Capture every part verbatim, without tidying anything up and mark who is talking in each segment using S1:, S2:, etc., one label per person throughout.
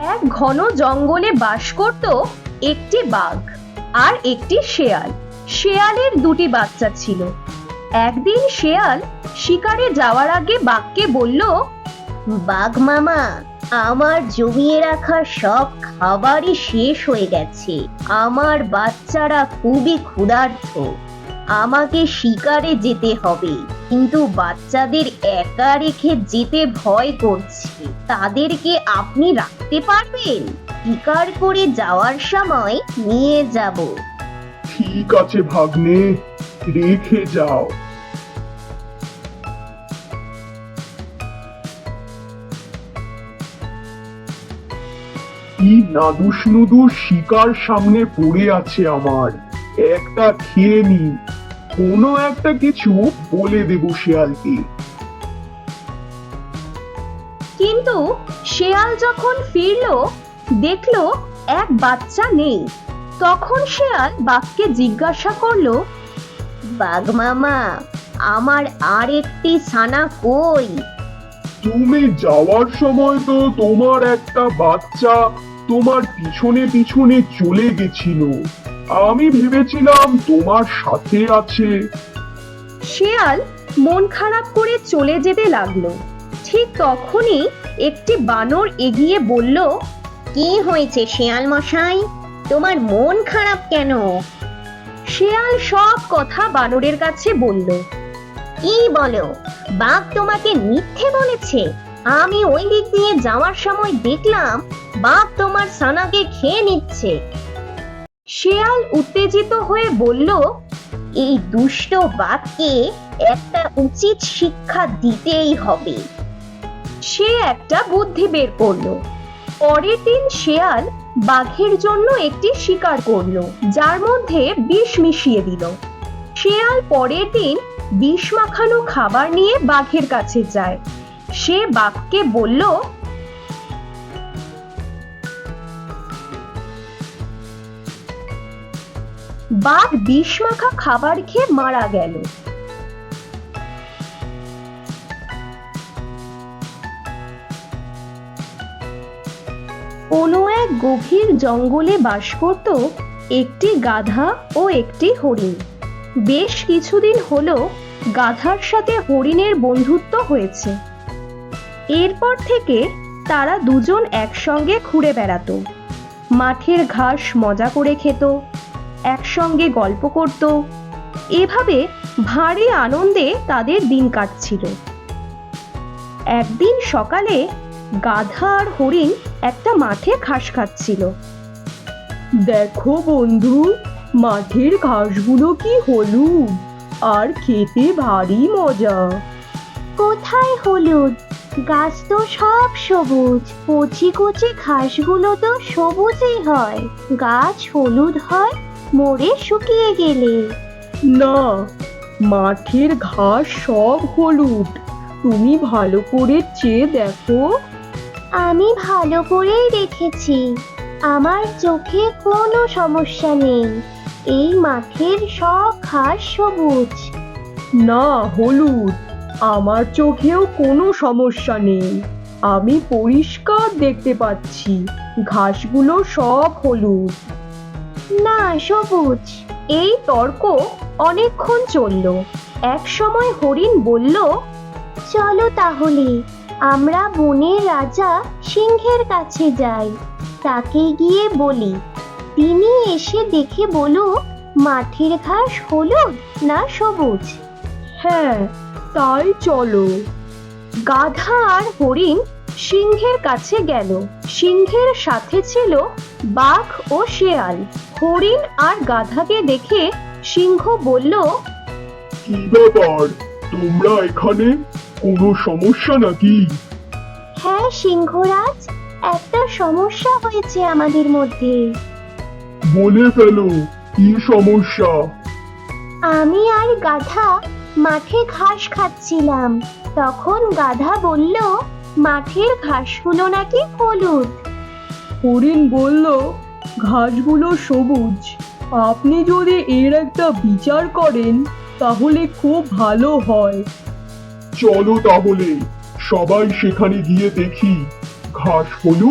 S1: এক ঘন জঙ্গলে বাস করত একটি বাঘ আর একটি শেয়াল। শেয়ালের দুটি বাচ্চা ছিল। একদিন শেয়াল শিকারে যাওয়ার আগে বাঘকে বলল, বাঘ মামা, আমার জমিয়ে রাখা সব খাবারই শেষ হয়ে গেছে। আমার বাচ্চারা খুবই ক্ষুধার্ত। আমাকে শিকারে যেতে হবে, কিন্তু বাচ্চাদের একা রেখে যেতে ভয় করছে। তাদেরকে আপনি রাখতে পারবেন? শিকার করে যাওয়ার সময় নিয়ে যাব।
S2: ঠিক আছে ভাগ্নে, রেখে যাও। কি নাদুস নুদুস শিকার সামনে পড়ে আছে আমার, একটা খেয়ে নি। কোনো একটা কিছু বলে দেব শেয়ালকে।
S1: কিন্তু শেয়াল যখন ফিরল, দেখলো এক বাচ্চা নেই। তখন শেয়াল বাঘকে জিজ্ঞাসা করলো, বাঘ মামা, আমার আর একটি ছানা কই?
S2: তুমি যাওয়ার সময় তো তোমার একটা বাচ্চা তোমার পিছনে পিছনে চলে গেছিল। আমি ভেবেছিলাম তোমার সাথে আছে।
S1: শেয়াল মন খারাপ করে চলে যেতে লাগলো। ঠিক তখনই একটি বানর এগিয়ে বলল, কি হয়েছে শেয়াল মশাই, তোমার মন খারাপ কেন? শেয়াল সব কথা বানরের কাছে বলল। কি বলো? বাঘ তোমাকে মিথ্যে বলেছে? আমি ওই দিক দিয়ে যাওয়ার সময় দেখলাম বাঘ তোমার ছানাকে খেয়ে নিচ্ছে। শেয়াল উত্তেজিত হয়ে বলল, এই দুষ্ট বাঘকে একটা উচিত শিক্ষা দিতেই হবে। সে একটা বুদ্ধি বের করলো। পরের দিন শেয়াল বাঘের জন্য একটি শিকার করলো, যার মধ্যে বিষ মিশিয়ে দিল। শেয়াল পরের দিন বিষ মাখানো খাবার নিয়ে বাঘের কাছে যায়। সে বাঘকে বলল, বাঘ বিষ মাখা খাবার খেয়ে মারা গেল। কোনো এক গভীর জঙ্গলে বাস করত একটি গাধা ও একটি হরিণ। বেশ কিছুদিন হলো গাধার সাথে হরিণের বন্ধুত্ব হয়েছে। এরপর থেকে তারা দুজন একসঙ্গে ঘুরে বেড়াতো, মাঠের ঘাস মজা করে খেত, একসঙ্গে গল্প করত। এভাবে ভারী আনন্দে তাদের দিন কাটছিল। একদিন সকালে গাধা আর হরিণ একটা মাঠে ঘাস খাচ্ছিল। দেখো বন্ধু, মাঠের ঘাসগুলো কি হলুদ আর খেতে ভারী মজা। কোথায় হলুদ? গাছ তো সব সবুজ। কচি কচি ঘাসগুলো তো সবুজই হয়। গাছ হলুদ হয় মরে শুকিয়ে গেলে। না, মাঠের ঘাস সব হলুদ। তুমি ভালো করে চেয়ে দেখো। আমি ভালো করেই দেখেছি, আমার চোখে কোনো সমস্যা নেই। এই মাঠের সব ঘাস সবুজ। না, হলুদ। আমার চোখেও কোনো সমস্যা নেই, আমি পরিষ্কার দেখতে পাচ্ছি ঘাসগুলো সব হলুদ। না, সবুজ। এই তর্ক অনেকক্ষণ চলল। এক সময় হরিণ বলল, চলো তাহলে আমরা বনের রাজা সিংহের কাছে যাই। তাকে গিয়ে বলি, তিনি এসে দেখে বলুক মাঠের ঘাস হলুদ না সবুজ। হ্যাঁ, তাই চলো। গাধা আর হরিণ সিংহের কাছে গেল। সিংহের সাথে ছিল বাঘ ও শেয়াল। হরিণ আর গাধাকে দেখে সিংহ বলল,
S2: কি ব্যাপার, তোমরা এখানে? কোনো সমস্যা নাকি?
S1: হ্যাঁ সিংহরাজ, একটা সমস্যা হয়েছে আমাদের মধ্যে।
S2: বলে ফেলো, কি সমস্যা?
S1: আমি আর গাধা মাঠে ঘাস খাচ্ছিলাম। তখন গাধা বলল, মাঠের ঘাসগুলো নাকি হলুদ। হরিণ বলল, ঘাসগুলো সবুজ। আপনি যদি এর একটা বিচার করেন তাহলে খুব ভালো হয়।
S2: চলো তাহলে সবাই সেখানে গিয়ে দেখি ঘাস হলুদ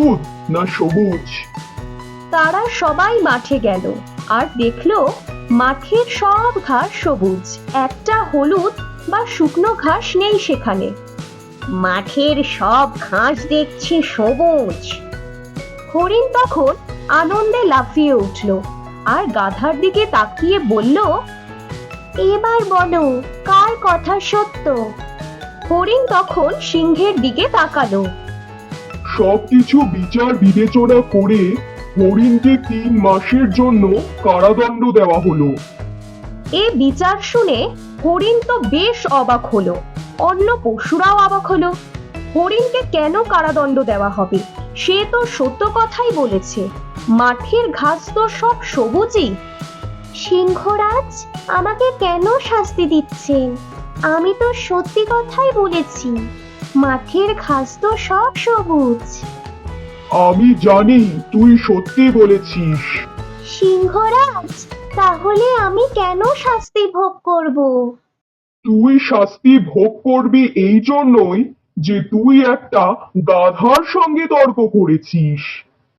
S2: না সবুজ?
S1: তারা সবাই মাঠে গেল আর দেখলো মাঠের সব ঘাস সবুজ, একটা হলুদ বা শুকনো ঘাস নেই সেখানে। মাঠের সব ঘাস দেখছি সবুজ। হরিণ তখন আনন্দে লাফিয়ে উঠল আর গাধার দিকে তাকিয়ে বলল, এবার বলো কার কথা সত্য? হরিণ তখন সিংহের দিকে তাকালো।
S2: সবকিছু বিচার বিবেচনা করে হরিণকে তিন মাসের জন্য কারাদণ্ড দেওয়া হলো।
S1: এ বিচার শুনে হরিণ তো বেশ অবাক হলো, অন্য পশুরাও অবাক হলো। হরিণকে কেন কারাদণ্ড দেওয়া হবে? সে তো সত্য কথাই বলেছে, মাঠের ঘাস তো সব সবুজই। সিংহরাজ, আমাকে কেন শাস্তি দিচ্ছেন? আমি তো সত্যি কথাই বলেছি, মাঠের ঘাস তো সব সবুজ।
S2: আমি জানি তুই সত্যি বলেছিস।
S1: সিংহরাজ, তাহলে আমি কেন শাস্তি ভোগ করব?
S2: তুই শাস্তি ভোগ করবি এই জন্যই যে তুই একটা গাধার সঙ্গে তর্ক করেছিস।